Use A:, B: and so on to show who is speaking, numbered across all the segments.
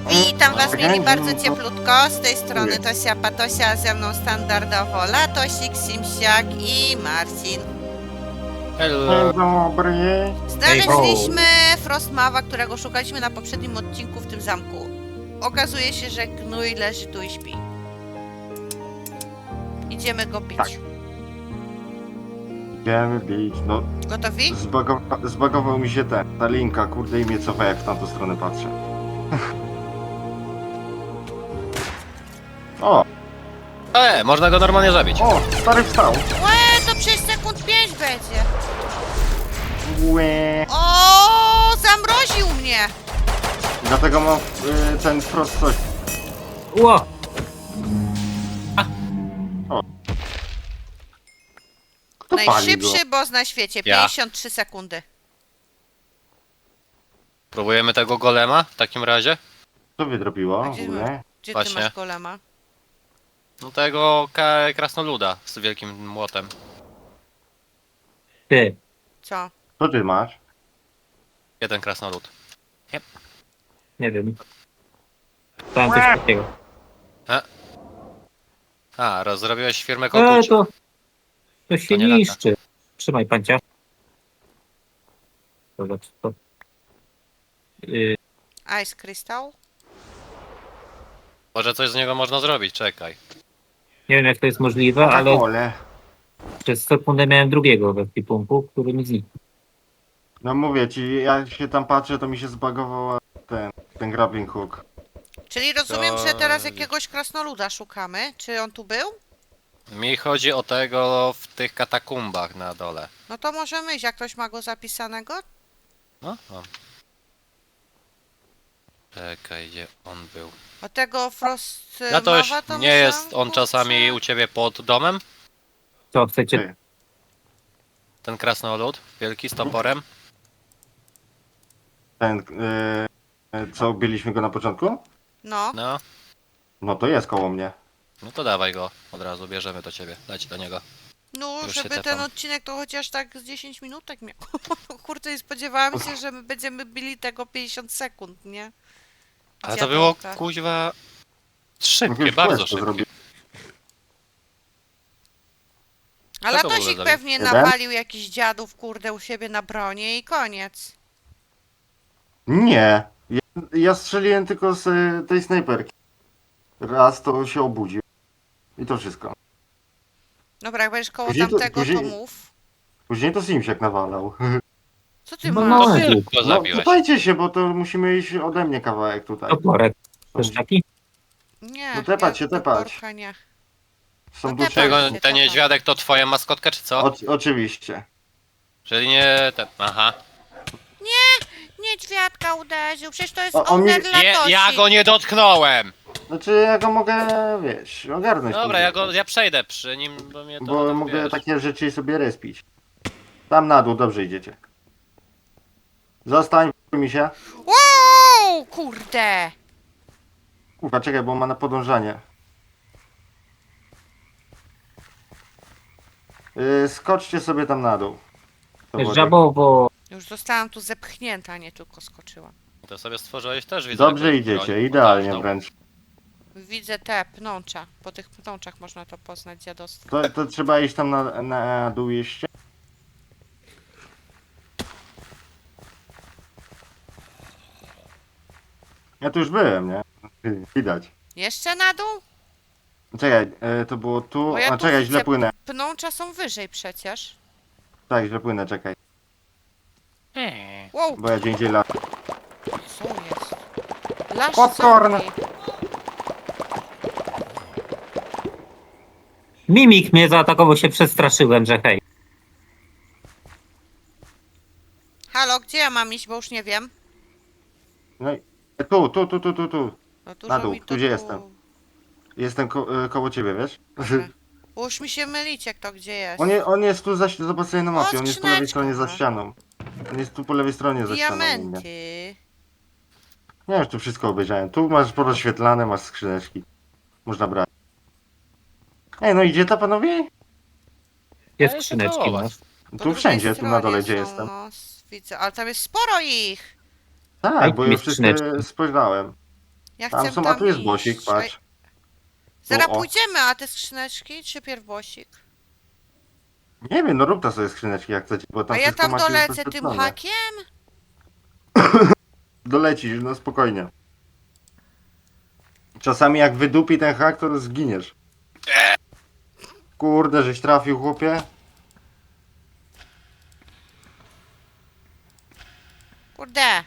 A: Witam was mieli bardzo
B: Okej,
A: cieplutko, z tej strony Tosia Patosia, a ze mną standardowo Latosik, Simsiak i Marcin.
B: Dzień dobry.
A: Znaleźliśmy Frostmawa, którego szukaliśmy na poprzednim odcinku w tym zamku. Okazuje się, że gnój leży tu i śpi. Idziemy go bić.
B: Tak. Idziemy bić, no
A: Gotowi?
B: zbagował mi się ta linka, kurde i mnie cofa jak w tamtą stronę patrzę. O,
C: Można go normalnie zabić.
B: stary wstał.
A: Łe, to przez sekund 5 będzie.
B: Łe.
A: O, zamroził mnie.
B: Dlatego mam ten wprost coś.
D: Ło!
B: Kto pali go?
A: Najszybszy boss na świecie,
C: Ja.
A: 53 sekundy.
C: Próbujemy tego golema w takim razie?
B: Co wydrobiło?
A: A gdzie
B: Ogólnie?
A: Gdzie ty
C: Właśnie.
A: masz golema?
C: No tego krasnoluda z wielkim młotem.
D: Ty,
A: Co?
B: Co ty masz?
C: Jeden krasnolud.
D: nie wiem. Tam coś takiego.
C: Zrobiłeś firmę koguci.
D: To się
C: To nie lata.
D: niszczy. Trzymaj pancia. Zobacz to.
A: Ice Crystal?
C: Może coś z niego można zrobić, czekaj.
D: Nie wiem jak to jest możliwe, ale
B: Coca-Colę.
D: przez sekundę miałem drugiego w ekwipunku, który mi zniknął.
B: No mówię ci, jak się tam patrzę, to mi się zbagował ten grappling hook.
A: Czyli rozumiem,
C: To-
A: że teraz jakiegoś krasnoluda szukamy. Czy on tu był?
C: Mi chodzi o tego w tych katakumbach na dole.
A: No to możemy iść, jak ktoś ma go zapisanego?
C: No. Czekaj, gdzie on był?
A: O tego Frost
C: Ja to już
A: Mawa to
C: nie
A: myślałam,
C: jest on
A: kurczę.
C: czasami u ciebie pod domem?
D: Co, chcecie?
B: Ty.
C: Ten krasnolud, wielki z toporem?
B: Ten, co byliśmy go na początku?
A: No,
C: No.
B: No to jest koło mnie.
C: No to dawaj go, od razu bierzemy do ciebie, dać do niego.
A: no
C: Już się
A: żeby ten
C: tepam.
A: odcinek to chociaż tak z 10 minutek miał. Kurczę, nie spodziewałam się, że my będziemy bili tego 50 sekund, nie?
C: Ale to było
A: Dziadolka.
C: kuźwa szybkie,
B: Już
C: bardzo
B: quest to
C: szybkie.
B: zrobił.
A: A
C: Co to w ogóle
A: Latosik
C: za-
A: pewnie
B: Jeden?
A: nawalił jakichś dziadów, kurde, u siebie na bronie i koniec.
B: Nie. Ja strzeliłem tylko z tej snajperki. Raz to się obudził. I to wszystko.
A: Dobra, jak będziesz koło
B: Później to-
A: tamtego, to
B: później-
A: mów.
B: Później to Simsiak nawalał.
A: Co ty
D: No,
A: masz?
C: To
D: no.
C: ty go
B: No
C: zabiłeś.
B: pytajcie się, bo to musimy iść ode mnie kawałek tutaj.
D: Toporek. Też taki?
A: Nie,
B: No tepać
A: ja
B: się, tepać.
A: porka nie.
B: Są
A: No
B: dusze.
A: tepaj
C: Czego,
A: się,
C: ten
A: tepaj.
C: niedźwiadek to twoja maskotka, czy co?
B: Oczywiście.
C: Czyli nie ten. Aha.
A: Niedźwiadka uderzył, przecież to jest
B: O, mi-
A: owner Latosi.
C: Ja go nie dotknąłem!
B: Znaczy ja go mogę, wiesz, ogarnąć.
C: Dobra,
B: później.
C: ja przejdę przy nim, bo mnie to
B: Bo
C: tam,
B: mogę
C: wiesz.
B: takie rzeczy sobie respić. Tam na dół, dobrze idziecie. Zostań mi się.
A: Wow, kurde!
B: Kurwa, czekaj, bo ma na podążanie. Skoczcie sobie tam na dół. To było
D: Żabowo.
A: Już zostałam tu zepchnięta, nie tylko skoczyłam.
C: To sobie stworzyłeś też,
B: tak.
C: widzę.
B: Dobrze
C: jakąś
B: idziecie,
C: broń
B: idealnie
C: potężną.
B: wręcz.
A: Widzę te pnącza. Po tych pnączach można to poznać dziadostwo.
B: To trzeba iść tam na dół jeszcze. Ja tu już byłem, nie? Widać.
A: Jeszcze na dół?
B: Czekaj, to było tu.
A: Bo ja
B: A
A: tu
B: czekaj,
A: widzę
B: źle płynę.
A: Pnącza są wyżej przecież.
B: Tak, źle płynę, czekaj.
A: Wow,
B: Bo ja gdzie indziej lat.
A: co jest? Lasz
B: Popcorn.
A: zombie.
D: Mimik mnie zaatakował, się przestraszyłem, że hej.
A: Halo, gdzie ja mam iść, bo już nie wiem.
B: No i tu.
A: No
B: Na dół,
A: mi to
B: tu gdzie jestem. Jestem koło ciebie, wiesz?
A: Dobra. Bo już mi się mylić, jak to gdzie jest.
B: On jest tu zobacz sobie na mapie,
A: O,
B: on jest po lewej
A: skrzyneczka,
B: stronie za
A: no.
B: ścianą. On jest tu po lewej stronie za ścianą. u mnie.
A: Diamenty.
B: Nie, już tu wszystko obejrzałem. Tu masz porozświetlane, masz skrzyneczki. Można brać. Ej, no idzie to panowie?
D: Jest
C: Ale
D: skrzyneczki,
C: to
D: no.
C: was.
A: Po
B: Tu
A: drugiej
B: wszędzie, tu na dole
A: stronie
B: gdzie
A: są,
B: jestem.
A: No, widzę, ale tam jest sporo ich.
B: Tak,
D: Daj
B: bo
D: mi
B: już wszystkie
D: skrzyneczki.
B: spojrzałem.
A: Ja
B: Tam
A: chcę
B: są, a tu jest
A: iść.
B: bosik, patrz.
A: Zaraz
B: O.
A: pójdziemy, a te skrzyneczki, czy pierw bosik?
B: Nie wiem, no rób ta sobie skrzyneczki jak chcecie, bo tam
A: A ja
B: wszystko
A: tam
B: macie już
A: dolecę tym
B: wyświetlone.
A: hakiem?
B: Dolecisz, no spokojnie. Czasami jak wydupi ten hak, to zginiesz. Kurde, żeś trafił, chłopie.
A: Kurde.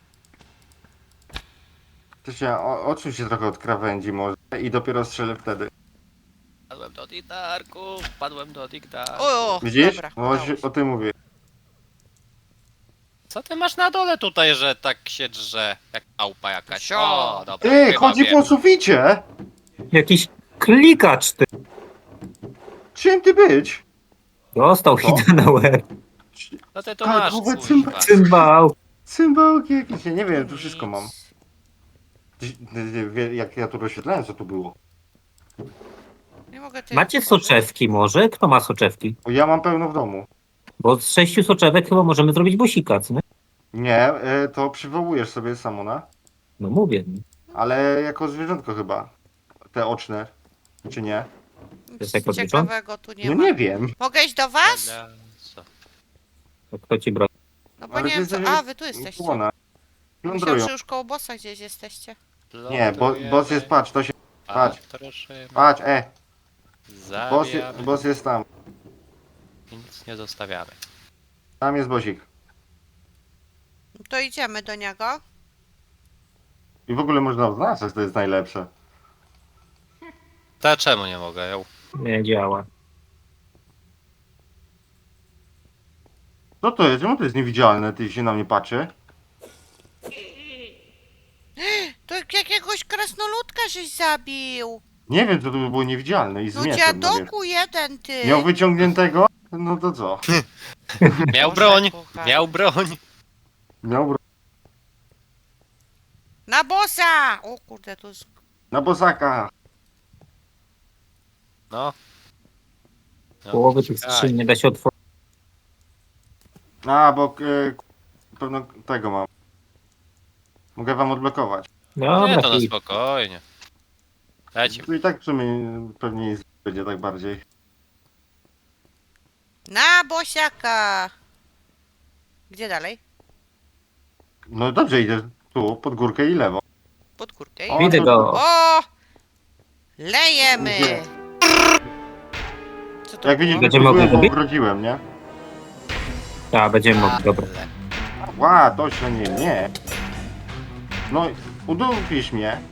B: To się, odsuń się trochę od krawędzi może i dopiero strzelę wtedy.
C: Padłem do Digdarku, padłem do Digdarku.
A: O,
B: Widzisz?
A: dobra,
B: No,
A: udało się.
B: o tym mówię.
C: Co ty masz na dole tutaj, że tak się drze? Jak małpa jakaś.
A: Sio.
C: O, dobra,
B: Ty,
C: chyba
B: chodzi
C: wiem.
B: po suficie!
D: Jakiś klikacz ty.
B: Czym ty być?
D: Dostał
B: Co?
D: hita na łeb.
C: No ty to masz,
B: Kalkowe
C: kuźwa.
D: Cymbał.
B: Cymbałki jakieś, ja nie wiem, tu wszystko
A: Nic.
B: mam. Jak ja tu rozświetlałem, co tu było.
A: Nie mogę tej
D: Macie
A: otworzyć.
D: soczewki może? Kto ma soczewki?
B: O, ja mam pełno w domu.
D: Bo z 6 soczewek chyba możemy zrobić bosika, co nie?
B: Nie, to przywołujesz sobie Samona,
D: No mówię.
B: ale jako zwierzątko chyba. Te oczne, czy nie?
D: jest jako
A: Nic ciekawego tu nie
B: No
A: ma.
B: nie wiem.
A: Mogę iść do was?
C: Dobra, co?
D: To kto ci broni?
A: No bo
B: Ale
A: nie
B: ty
A: wiem co...
B: jesteś-
A: A, wy tu jesteście.
B: Ona.
A: Myślałam,
B: Plądrują.
A: że już koło bossa gdzieś jesteście.
B: Nie, boss jest, patrz, to się, patrz.
C: Patroszymy,
B: patrz,
C: zabijamy
B: boss jest tam.
C: i nic nie zostawiamy.
B: Tam jest bosik.
A: To idziemy do niego.
B: I w ogóle można oznaczać, to jest najlepsze.
C: To czemu nie mogę? Ja
D: Nie działa.
B: Co to jest? Czemu to jest niewidzialne? Ty się na mnie patrzy?
A: To jakiegoś krasnoludka żeś zabił.
B: Nie wiem, co to by było niewidzialne i z
A: No
B: mieczem, no wiesz.
A: dziadoku jeden ty.
B: Miał wyciągniętego? No to co?
C: Miał
A: Boże,
C: broń!
A: kochany.
C: Miał broń!
B: Miał
A: Na bossa! O kurde, tu jest...
B: na bosaka.
C: No. No,
D: Połowy tych
C: czekaj.
D: skrzyń nie da się otworzyć.
B: A, bo pewno tego mam. Mogę wam odblokować.
C: Nie,
D: Dobra,
C: to na
D: hit.
C: spokojnie. Leci.
B: Tu i tak w sumie pewnie jest, będzie tak bardziej.
A: Na bosiaka! Gdzie dalej?
B: No dobrze, idę tu, pod górkę i lewo.
A: Pod górkę.
B: O,
D: Widzę
B: to-
D: go.
A: O! Lejemy!
B: Gdzie?
A: Co to
B: Jak
A: było?
B: widzisz,
D: Będziemy
B: byłem,
D: mogli
B: bo
D: zrobić?
B: ogrodziłem, nie?
D: Tak, będziemy mogli, dobra.
B: Ła, to się nie. No, udupisz mnie.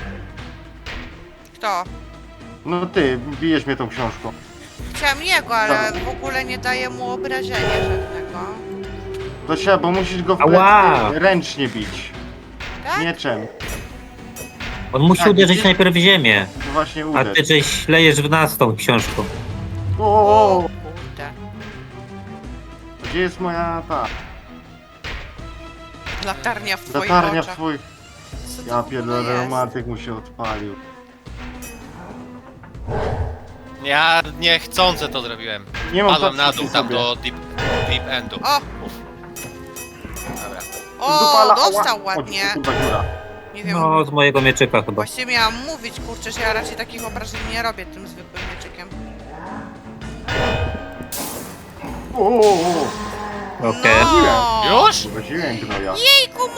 A: Kto?
B: No ty, bijesz mnie tą książką.
A: Chciałam jego, ale w ogóle nie daje mu obrażenia żadnego.
B: To się, bo musisz go w
D: Ała!
B: plecy ręcznie bić.
A: Tak?
B: Mieczem.
D: On musi
B: Tak,
D: uderzyć
B: widzisz?
D: najpierw w ziemię.
B: To właśnie
D: A
B: uderz.
D: ty żeś lejesz w nas tą książką.
A: O
B: O,
A: kurde.
B: gdzie jest moja ta
A: Latarnia w twoich
B: latarnia w
A: oczach.
B: twoich...
A: Co to
B: Ja
A: w ogóle
B: pierdolę,
A: jest?
B: romantyk mu się odpalił.
C: Ja niechcący to zrobiłem.
B: Nie mam
C: Padłem na
B: patrzeć
C: dół,
B: przy
C: tam
B: sobie.
C: do deep endu.
A: O!
C: Dobra.
A: O,
B: Dupala,
A: dostał
B: ała.
A: ładnie.
B: O, kurwa, dziura.
A: Nie wiem.
D: No, z mojego mieczyka chyba.
A: Właśnie miałam mówić, kurczę, że ja raczej takich obrażeń nie robię tym zwykłym mieczykiem.
B: O,
D: Okej.
A: No!
C: Już?
B: Urodziłem gnoja.
A: Jejku,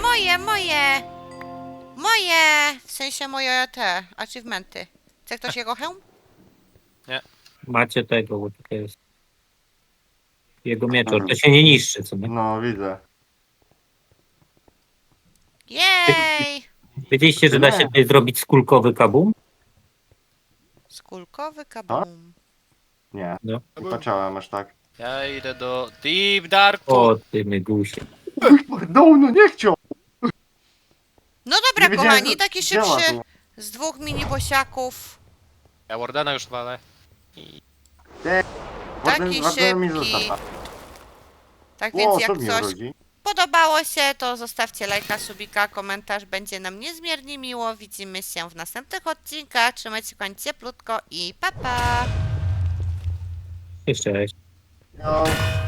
A: moje! W sensie moje te achievementy. Chce ktoś jego hełm?
D: Macie tego, bo tutaj jest. Jego mieczor. To się nie niszczy, co nie?
B: No, widzę.
A: Jej!
D: Wiedzieliście, że da się tutaj zrobić skulkowy kabum?
A: Skulkowy kabum.
B: Nie,
D: No.
B: nie patrzałem aż tak.
C: Ja idę do Deep Darku.
D: O, ty mygusie.
B: No, no nie chciał!
A: No dobra,
B: Nie wiedziałem,
A: kochani,
B: że
A: taki
B: działa
A: szybszy
B: tu.
A: z dwóch mini-bosiaków.
C: Ja Wardena już walę. I...
A: Taki
B: Warden mi
A: szybki.
B: zostaw.
A: Tak
B: O,
A: więc
B: co
A: jak
B: mnie
A: coś
B: rodzi?
A: podobało się, to zostawcie lajka, subika, komentarz. Będzie nam niezmiernie miło. Widzimy się w następnych odcinkach. Trzymajcie się kochani cieplutko i pa pa!
D: Jeszcze raz.
B: No,